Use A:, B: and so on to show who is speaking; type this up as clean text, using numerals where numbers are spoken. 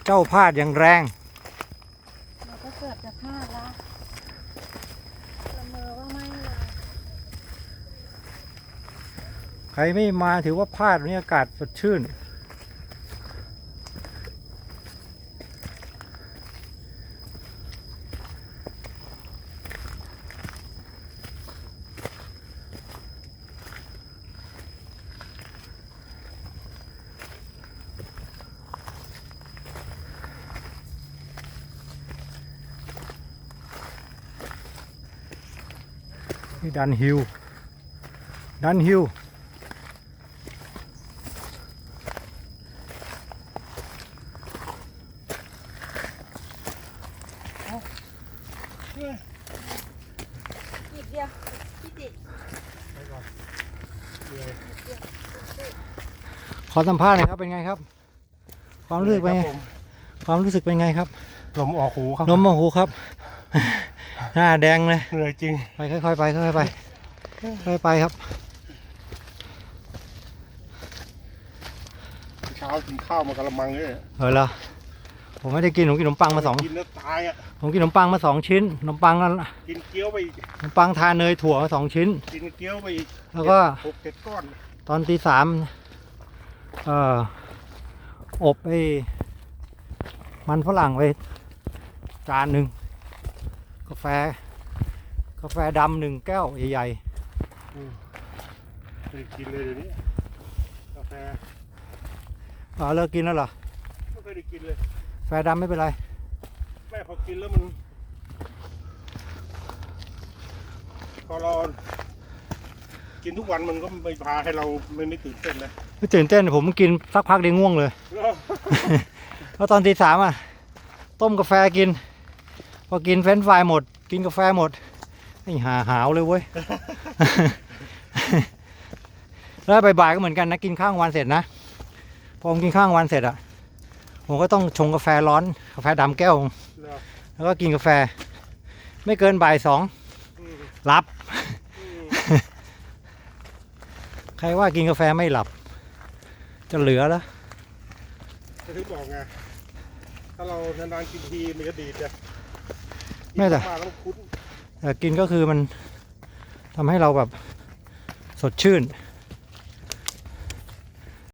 A: เจ้าพลาดอย่างแรง
B: เราก็เกือบจะพลาดละละเมอว่าไม่เลย
A: ใครไม่มาถือว่าพลาดวันนี้อากาศสดชื่นนี่ดันฮิล
B: อีกเดียวพี่จิ
A: ขอสัมภาษณ์หน่อยครับเป็นไงครับความรู้สึกเป็นไงความรู้สึกเป็นไงครับ
C: ลมออกหูครับ
A: นมโอ้โหครับ หน้าแดงเลย
C: เหนื่อยจริง
A: ไปค่อยๆไปค่อยๆไปค่อยๆไปครับ
C: เช้ากินข้าวมากระมังเลย
A: เหรอผมไม่ได้กินผมกินขนมปังมาสอง
C: กินแล้วตายอ่ะ
A: ผมกินขนมปังมา2 ชิ้นขนมปังแล้ว
C: กินเกี๊ยวไปอีก
A: ขนมปังทาเนยถั่วมา2 ชิ้น
C: กินเกี๊ยวไปอีก
A: แล้วก็
C: 6-7 ก้อน
A: ตอนตี 3อบไอ้มันฝรั่งไปจานหนึ่งกาแฟดำ1 แก้วใหญ่
C: ไม่ได้กินเลยเดี๋ยวนี้กาแฟ
A: ๆเลิกกินแล้วเหรอ
C: ไม่เคยได้กินเลย
A: แฟดำไม่เป็นไร
C: แม่พอกินแล้วมันพอเรากินทุกวันมันก็ไม่พาให้เราไม่ตื่นเต้นนะ
A: ไม่ตื่นเต้นผมกินสักพักเดียวง่วงเลย แล้วตอนตี 3ต้มกาแฟกิน พอกินเฟรนช์ฟรายหมด กินกาแฟหมดไอ้หาวเลยเว้ย แล้วบ่ายๆก็เหมือนกันนะกินข้าวกลางวันเสร็จนะพอผมกินข้าวกลางวันเสร็จผมก็ต้องชงกาแฟร้อนกาแฟดำแก้ว แล้วก็กินกาแฟ ไม่เกินบ่าย 2รับ ใครว่ากินกาแฟไม่หลับ จะเหลือแล้ว
C: ก็ถึงบอกไงถ้าเรานานๆกินทีมันก็ดีจ้ะ
A: ไม่แต่
C: กินมาแล้วมันคุ้น
A: แต่กินก็คือมันทำให้เราแบบสดชื่น